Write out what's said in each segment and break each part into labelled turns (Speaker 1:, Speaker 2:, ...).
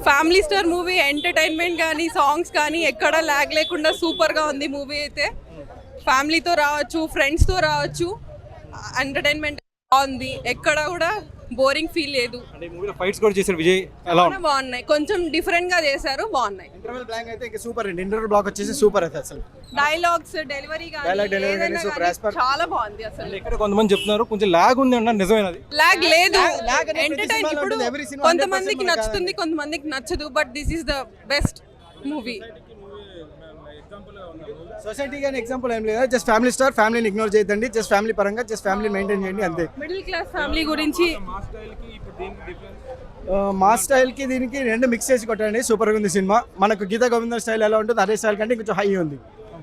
Speaker 1: Family star movie, entertainment కానీ songs కానీ ఎక్కడ ల్యాగ్ లేకుండా సూపర్గా ఉంది మూవీ అయితే. ఫ్యామిలీతో రావచ్చు, ఫ్రెండ్స్తో రావచ్చు, ఎంటర్టైన్మెంట్ బాగుంది, ఎక్కడ కూడా బోరింగ్ ఫీల్ లేదు.
Speaker 2: అంటే మూవీలో ఫైట్స్ కూడా చేశారు విజయ్, ఎలా ఉంది?
Speaker 1: బాగున్నాయి, కొంచెం డిఫరెంట్ గా చేశారు, బాగున్నాయి.
Speaker 3: ఇంటర్వెల్ బ్లాక్ అయితే ఇంకా సూపర్ అండి. ఇంటర్వెల్ బ్లాక్ వచ్చేసి సూపర్ అయితే అసలు
Speaker 1: డైలాగ్స్ డెలివరీ
Speaker 3: కానీ సూపర్
Speaker 1: చాలా బాగుంది అసలు.
Speaker 2: ఇక్కడ కొంతమంది చెప్తున్నారు కొంచెం లాగ్ ఉంది అన్నారు, నిజమేనది?
Speaker 1: లాగ్ లేదు,
Speaker 3: lag అనేది
Speaker 1: ఎంటర్టైన్.
Speaker 3: ప్రతి
Speaker 1: ఇప్పుడు
Speaker 3: సినిమాలో ఉంటుంది, every cinema
Speaker 1: కొంతమందికి
Speaker 3: 100%
Speaker 1: నచ్చుతుంది, కొంతమందికి నచ్చదు, but this is the best movie.
Speaker 3: Society కానీ ఎగ్జాంపుల్ ఏం లేదు. జస్ట్ ఫ్యామిలీ స్టార్, ఫ్యామిలీని ఇగ్నోర్ చేయదండి. జస్ట్ ఫ్యామిలీ పరంగా జస్ట్ ఫ్యామిలీ మెయింటైన్ చేయండి అంతే.
Speaker 1: మిడిల్ క్లాస్ ఫ్యామిలీ గురించి
Speaker 3: మా స్టైల్ కి దీనికి రెండు మిక్స్ చేసి కొట్టండి, సూపర్ గా ఉంది సినిమా. మనకు గీతా గోవిందం స్టైల్ ఎలా ఉంటుంది అదే స్టైల్ కంటే కొంచెం హై ఉంది.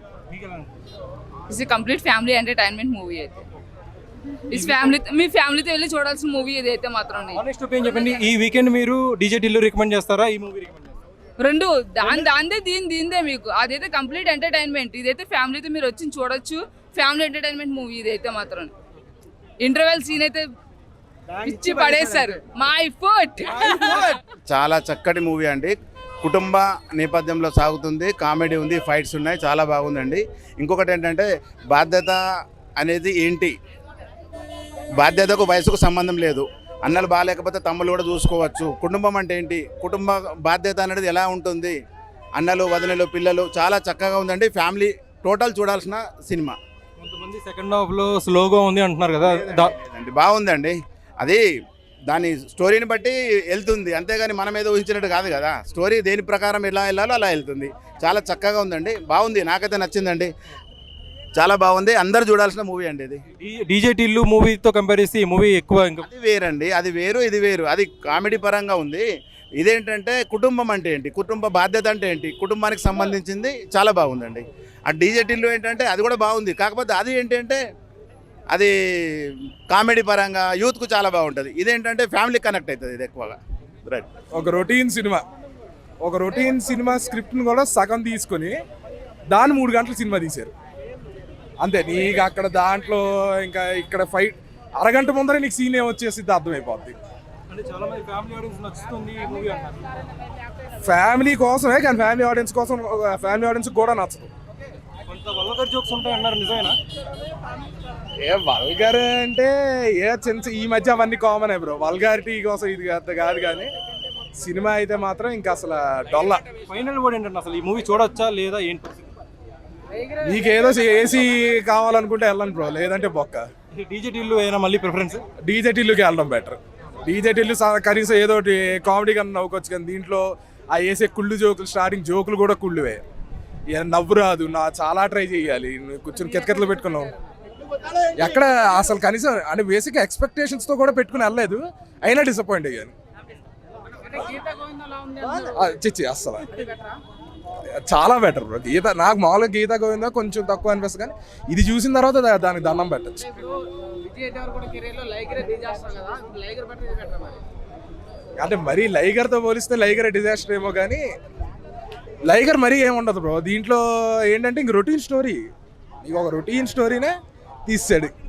Speaker 4: It's complete family entertainment movie అయితే. ఇస్ ఫ్యామిలీ, మీ ఫ్యామిలీతో వెళ్ళి చూడాల్సిన మూవీ ఇదైతే మాత్రం.
Speaker 2: ఆనెస్ట్ ఒపీనియన్ చెప్పండి, ఈ వీకెండ్ మీరు డీజే టిల్లు రికమెండ్ చేస్తారా, ఈ మూవీ రికమెండ్ చేస్తారా?
Speaker 4: రెండు దాందే దీందే మీకు. అదైతే కంప్లీట్ ఎంటర్టైన్మెంట్, ఇదైతే ఫ్యామిలీతో మీరు వచ్చి చూడొచ్చు. ఫ్యామిలీ ఎంటర్టైన్మెంట్ మూవీ ఇదైతే మాత్రం. ఇంటర్వెల్ సీన్ అయితే పిచ్చి పడేశారు. మై ఫుట్
Speaker 5: చాలా చక్కటి మూవీ అండి. కుటుంబ నేపథ్యంలో సాగుతుంది, కామెడీ ఉంది, ఫైట్స్ ఉన్నాయి, చాలా బాగుందండి. ఇంకొకటి ఏంటంటే బాధ్యత అనేది ఏంటి, బాధ్యతకు వయసుకు సంబంధం లేదు. అన్నలు బాగాలేకపోతే తమ్ముళ్ళు కూడా చూసుకోవచ్చు. కుటుంబం అంటే ఏంటి, కుటుంబ బాధ్యత అనేది ఎలా ఉంటుంది, అన్నలు వదినలు పిల్లలు, చాలా చక్కగా ఉందండి. ఫ్యామిలీ టోటల్ చూడాల్సిన సినిమా.
Speaker 2: కొంతమంది సెకండ్ హాఫ్ లో స్లోగా ఉంది అంటున్నారు కదా,
Speaker 5: బాగుందండి. అది దాని స్టోరీని బట్టి వెళ్తుంది, అంతేగాని మనం ఏదో ఊహించినట్టు కాదు కదా. స్టోరీ దేని ప్రకారం ఎలా వెళ్ళాలో అలా వెళ్తుంది. చాలా చక్కగా ఉందండి, బాగుంది, నాకైతే నచ్చిందండి, చాలా బాగుంది. అందరు చూడాల్సిన మూవీ అండి ఇది.
Speaker 2: డీజే టిల్లు మూవీతో కంపేర్ చేసి ఈ మూవీ ఎక్కువ ఇంకా
Speaker 5: అది వేరండి, అది వేరు ఇది వేరు. అది కామెడీ పరంగా ఉంది, ఇదేంటంటే కుటుంబం అంటే ఏంటి, కుటుంబ బాధ్యత అంటే ఏంటి, కుటుంబానికి సంబంధించింది, చాలా బాగుందండి. ఆ డీజే టిల్లు ఏంటంటే అది కూడా బాగుంది, కాకపోతే అది ఏంటంటే అది కామెడీ పరంగా యూత్కు చాలా బాగుంటుంది. ఇదేంటంటే ఫ్యామిలీ కనెక్ట్ అవుతుంది ఇది ఎక్కువగా. రైట్.
Speaker 6: ఒక రొటీన్ సినిమా స్క్రిప్ట్ని కూడా సగం తీసుకొని దాన్ని 3 గంటల సినిమా తీశారు అంతే. నీకు అక్కడ దాంట్లో ఇంకా ఇక్కడ ఫైట్ అరగంట ముందరే నీకు సీన్ ఏమొచ్చేసి అర్థమైపోద్ది.
Speaker 2: అంటే చాలా మంది ఫ్యామిలీ ఆడియన్స్ నచ్చుతుంది ఈ మూవీ అన్నారు.
Speaker 6: ఫ్యామిలీ కోసమే, కానీ ఫ్యామిలీ ఆడియన్స్ కూడా నచ్చదు.
Speaker 2: కొంత వల్గర్ జోక్స్ ఉంటాయి అన్నారు, నిజమేనా?
Speaker 6: ఏ వల్గర్ అంటే ఈ మధ్య అవన్నీ కామన్ బ్రో. వల్గారిటీ కోసం ఇది కాదు, కానీ సినిమా అయితే మాత్రం ఇంకా అసలు డొల్ల.
Speaker 2: ఫైనల్ వర్డ్ ఏంటంటే అసలు ఈ మూవీ చూడొచ్చా లేదా ఏంటి?
Speaker 6: నీకేదో ఏసీ కావాలనుకుంటే వెళ్ళండి బ్రో, లేదంటే బొక్క.
Speaker 2: డీజే టిల్లు అయినా మళ్ళీ ప్రిఫరెన్స్
Speaker 6: డీజే టిల్లుకి వెళ్ళడం బెటర్. డీజే టిల్లు కనీసం ఏదో కామెడీ కన్నా నవ్వుకోవచ్చు, కానీ దీంట్లో ఆ వేసే కుళ్ళు జోకులు, స్టార్టింగ్ జోకులు కూడా కుళ్ళువే. నవ్వు రాదు, చాలా ట్రై చేయాలి, కూర్చొని కితకితలు పెట్టుకున్నాం. ఎక్కడ అసలు కనీసం అంటే బేసిక్ ఎక్స్పెక్టేషన్స్తో కూడా పెట్టుకుని వెళ్ళలేదు, అయినా డిసప్పాయింట్ అయ్యాను. చిచ్చి అస్సలు చాలా బెటర్ బ్రో. నాకు మామూలుగా గీతా గోవిందా కొంచెం తక్కువ అనిపిస్తుంది, కానీ ఇది చూసిన తర్వాత దానికి దండం పెట్టచ్చు. అంటే మరీ లైగర్తో పోలిస్తే లైగర్ డిజాస్టర్ ఏమో, కానీ లైగర్ మరీ ఏముండదు బ్రో. దీంట్లో ఏంటంటే ఇంక రొటీన్ స్టోరీ, ఇక ఒక రొటీన్ స్టోరీనే తీసాడు.